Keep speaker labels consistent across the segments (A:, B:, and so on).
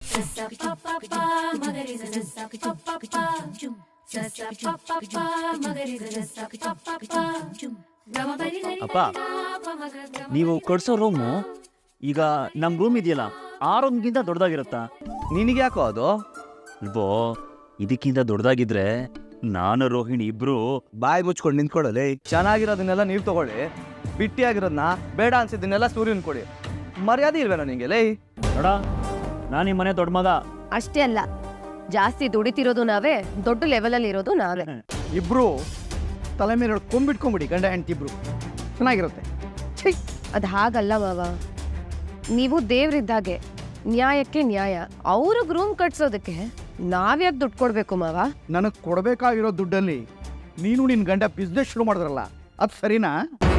A: ಅಪ್ಪ, ನೀವು ಕೊಡ್ಸೋ ರೂಮು ಈಗ ನಮ್ಮ ರೂಮ್ ಇದೆಯಲ್ಲ ಆ ರೂಮ್ಗಿಂತ ದೊಡ್ಡದಾಗಿರುತ್ತಾ?
B: ನಿನಗೆ ಯಾಕೋ ಅದು?
A: ಅಲ್ವೋ, ಇದಕ್ಕಿಂತ ದೊಡ್ಡದಾಗಿದ್ರೆ ನಾನು ರೋಹಿಣಿ ಇಬ್ರು
B: ಬಾಯಿ ಮುಚ್ಕೊಂಡು ನಿಂತ್ಕೊಳ್ಳಲಿ. ಚೆನ್ನಾಗಿರೋದನ್ನೆಲ್ಲ ನೀವು ತಗೊಳ್ಳಿ, ಬಿಟ್ಟಿಯಾಗಿರೋದನ್ನ ಬೇಡ ಅನ್ಸಿದ್ದನ್ನೆಲ್ಲ ಸೂರ್ಯನ್ ಕೊಡಿ. ಮರ್ಯಾದೆ ಇಲ್ವೇನೋ ನಿಂಗೆ ಲೇ?
A: ನೋಡ, ನಾನು ಈ ಮನೆ ದೊಡ್ಡ ಮಗ.
C: ಅಷ್ಟೇ ಅಲ್ಲ, ಜಾಸ್ತಿ ದುಡಿತಿರೋದು ನಾವೇ, ದೊಡ್ಡ ಲೆವೆಲಲ್ಲಿ ಇರೋದು ನಾವೇ.
D: ಇಬ್ರು ತಲೆ ಮೇಲೆ ಕೊಂಬಿಟ್ಕೊಂಬಿಡಿ, ಗಂಡ ಹೆಂಡತಿ ಇಬ್ರು ಚೆನ್ನಾಗಿರುತ್ತೆ. ಛೈ,
C: ಅದು ಹಾಗಲ್ಲ ಮಾವ. ನೀವು ದೇವ್ರಿದ್ದಾಗೆ, ನ್ಯಾಯಕ್ಕೆ ನ್ಯಾಯ. ಅವ್ರಿಗೆ ರೂಮ್ ಕಟ್ಸೋದಕ್ಕೆ ನಾವ್ಯಾಕೆ ದುಡ್ಡು ಕೊಡ್ಬೇಕು ಮಾವ?
D: ನನಗೆ ಕೊಡಬೇಕಾಗಿರೋ ದುಡ್ಡಲ್ಲಿ ನೀನು ನಿನ್ನ ಗಂಡ ಬಿಸ್ನೆಸ್ ಶುರು ಮಾಡಿದ್ರಲ್ಲ, ಅದು ಸರಿನಾ?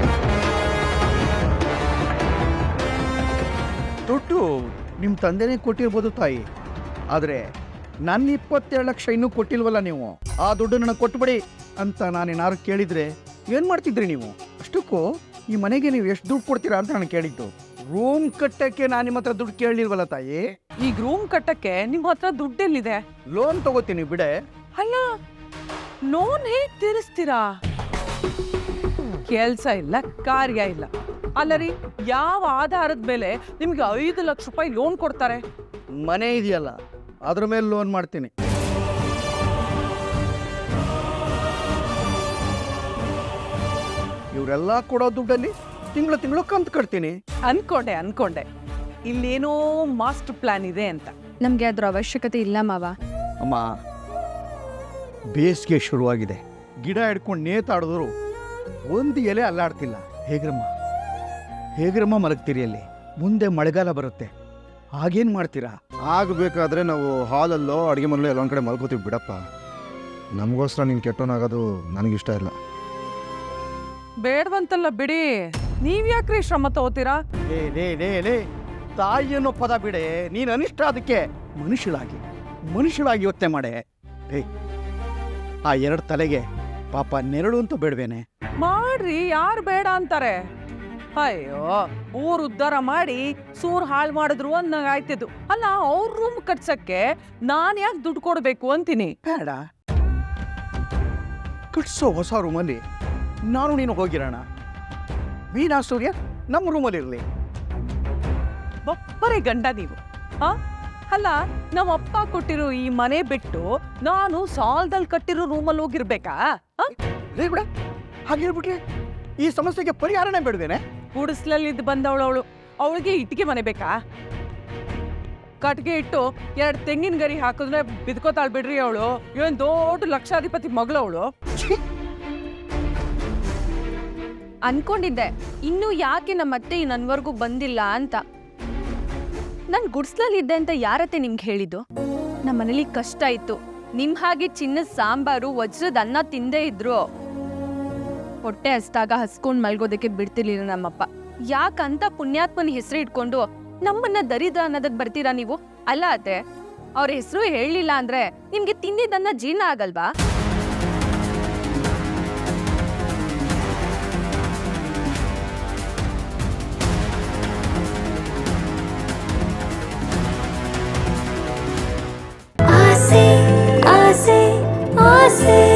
D: ದುಡ್ಡು ನಿಮ್ಮ ತಂದೆನೇ ಕೊಟ್ಟಿರ್ಬೋದು ತಾಯಿ, ಆದರೆ ನನ್ನ 27 ಲಕ್ಷ ಇನ್ನೂ ಕೊಟ್ಟಿಲ್ವಲ್ಲ ನೀವು. ಆ ದುಡ್ಡು ನನಗೆ ಕೊಟ್ಬಿಡಿ ಅಂತ ನಾನೇನಾದ್ರು ಕೇಳಿದರೆ ಏನು ಮಾಡ್ತಿದ್ರಿ ನೀವು? ಅಷ್ಟಕ್ಕೂ ಈ ಮನೆಗೆ ನೀವು ಎಷ್ಟು ದುಡ್ಡು ಕೊಡ್ತೀರಾ ಅಂತ ನಾನು ಕೇಳಿದ್ದು. ರೂಮ್ ಕಟ್ಟಕ್ಕೆ ನಾನು ನಿಮ್ಮ ಹತ್ರ ದುಡ್ಡು ಕೇಳಲಿಲ್ವಲ್ಲ ತಾಯಿ.
E: ಈಗ ರೂಮ್ ಕಟ್ಟಕ್ಕೆ ನಿಮ್ಮ ಹತ್ರ ದುಡ್ಡೆಲ್ಲಿದೆ?
D: ಲೋನ್ ತಗೋತೀನಿ ಬಿಡೆ.
E: ಅಲ್ಲ, ಲೋನ್ ಹೇಗ್ ತೀರಿಸ್ತೀರಾ? ಕೆಲ್ಸ ಇಲ್ಲ, ಕಾರ್ಯ ಇಲ್ಲ. ಅಲ್ಲ ರೀ, ಯಾವ ಆಧಾರದ ಮೇಲೆ ನಿಮ್ಗೆ 5 ಲಕ್ಷ ರೂಪಾಯಿ ಲೋನ್ ಕೊಡ್ತಾರೆ?
D: ಮನೆ ಇದೆಯಲ್ಲ, ಅದ್ರ ಮೇಲೆ ಲೋನ್ ಮಾಡ್ತೀನಿ. ಇವರೆಲ್ಲ ಕೊಡೋ ದುಡ್ಡಲ್ಲಿ ತಿಂಗಳು ಕಂತು ಕಟ್ತೀನಿ.
E: ಅನ್ಕೊಂಡೆ ಇಲ್ಲೇನೋ ಮಾಸ್ಟರ್ ಪ್ಲಾನ್ ಇದೆ ಅಂತ.
C: ನಮ್ಗೆ ಅದ್ರ ಅವಶ್ಯಕತೆ ಇಲ್ಲ ಮಾವ.
D: ಅಮ್ಮ, ಬೇಸಿಗೆ ಶುರುವಾಗಿದೆ, ಗಿಡ ಹಿಡ್ಕೊಂಡು ನೇತಾಡಿದ್ರು ಒಂದು ಎಲೆ ಅಲ್ಲಾಡ್ತಿಲ್ಲ. ಹೇಗ್ರಮ್ಮ ಮಲಗ್ತೀರಿ ಅಲ್ಲಿ? ಮುಂದೆ ಮಳೆಗಾಲ ಬರುತ್ತೆ, ಆಗೇನು ಮಾಡ್ತೀರಾ?
F: ಆಗಬೇಕಾದ್ರೆ ನಾವು ಹಾಲಲ್ಲೋ ಅಡುಗೆ ಮನೆಯಲ್ಲೋ ಎಲ್ಲೊಂದು ಕಡೆ ಮಲ್ಕೋತೀವಿ ಬಿಡಪ್ಪ. ನಮಗೋಸ್ಕರ ನೀನು ಕೆಟ್ಟೋನಾಗೋದು ನನಗಿಷ್ಟ ಇಲ್ಲ.
E: ಬೇಡವಂತಲ್ಲ ಬಿಡಿ, ನೀವ್ ಯಾಕ್ರಿ ಶ್ರಮ ತಗೋತೀರಾ?
D: ಲೇ ತಾಯಿ ಅನ್ನೋ ಪದ ಬಿಡೆ, ನೀನು ಅನಿಷ್ಟ. ಅದಕ್ಕೆ ಮನುಷ್ಯಳಾಗಿ ಯೋಚನೆ ಮಾಡೆ. ಆ 2 ತಲೆಗೆ ಪಾಪ ನೆರಳು ಅಂತ ಬೇಡವೇನೆ?
E: ಮಾಡ್ರಿ, ಯಾರು ಬೇಡ ಅಂತಾರೆ? ಅಯ್ಯೋ, ಊರ್ ಉದ್ಧಾರ ಮಾಡಿ ಸೂರ್ ಹಾಳು ಮಾಡಿದ್ರು ಅನ್ನಂಗಾಯ್ತಿದ್ದು. ಅಲ್ಲ, ಅವ್ರ ರೂಮ್ ಕಟ್ಸಕ್ಕೆ ನಾನ್ ಯಾಕೆ ದುಡ್ಡು ಕೊಡ್ಬೇಕು ಅಂತೀನಿ?
D: ಬೇಡ, ಕಟ್ಸೋ ಹೊಸ ರೂಮಲ್ಲಿ ನಾನು ನೀನು ಹೋಗಿರೋಣ. ಮೀನಾ ಸೂರ್ಯ ನಮ್ಮ ರೂಮಲ್ಲಿರಲಿ.
E: ಒಬ್ಬರೇ ಗಂಡ ನೀವು. ಅಲ್ಲ, ನಮ್ಮ ಅಪ್ಪ ಕೊಟ್ಟಿರೋ ಈ ಮನೆ ಬಿಟ್ಟು ನಾನು ಸಾಲದಲ್ಲಿ ಕಟ್ಟಿರೋ ರೂಮಲ್ಲಿ ಹೋಗಿರ್ಬೇಕಾ?
D: ಬಿಡ, ಹಾಗೆ ಹೇಳ್ಬಿಟ್ರೆ ಈ ಸಮಸ್ಯೆಗೆ ಪರಿಹಾರನೇ ಬೇಡವೇನೆ?
E: ಗುಡಿಸ್ಲಲ್ಲಿದ್ದು ಬಂದವಳು ಅವಳಿಗೆ ಇಟ್ಟಿಗೆ ಮನೆ ಬೇಕಾ? ಕಟ್ಗೆ ಇಟ್ಟು 2 ತೆಂಗಿನ ಗರಿ ಹಾಕಿದ್ರೆ ಬಿದ್ಕೋತಾಳ್ ಬಿಡ್ರಿ ಅವಳು. ಇವನ್ ದೊಡ್ಡ ಲಕ್ಷಾಧಿಪತಿ ಮಗಳವಳು.
C: ಅನ್ಕೊಂಡಿದ್ದೆ ಇನ್ನು ಯಾಕೆ ನಮ್ಮತ್ತೆ ನನ್ವರ್ಗೂ ಬಂದಿಲ್ಲ ಅಂತ. ನಾನ್ ಗುಡ್ಸ್ಲಲ್ಲಿದ್ದೆ ಅಂತ ಯಾರತ್ತೆ ನಿಮ್ಗೆ ಹೇಳಿದ್ದು? ನಮ್ಮ ಮನೇಲಿ ಕಷ್ಟ ಇತ್ತು. ನಿಮ್ ಹಾಗೆ ಚಿನ್ನದ ಸಾಂಬಾರು, ವಜ್ರದ ಅನ್ನ ತಿಂದೇ ಇದ್ರು. ಹೊಟ್ಟೆ ಹಸ್ದಾಗ ಹಸ್ಕೊಂಡ್ ಮಲ್ಗೋದಕ್ಕೆ ಬಿಡ್ತಿರ್ಲಿಲ್ಲ ನಮ್ಮಪ್ಪ. ಯಾಕಂತ ಪುಣ್ಯಾತ್ಮನ ಹೆಸರು ಇಟ್ಕೊಂಡು ನಮ್ಮನ್ನ ದರಿದ್ರ ಅನ್ನೋದಕ್ ಬರ್ತೀರಾ ನೀವು? ಅಲ್ಲ ಅತ್ತೆ, ಅವ್ರ ಹೆಸರು ಹೇಳಲಿಲ್ಲ ಅಂದ್ರೆ ನಿಮ್ಗೆ ತಿಂದಿದ್ದನ್ನ ಜೀರ್ಣ ಆಗಲ್ವಾ?
G: आसे आसे आसे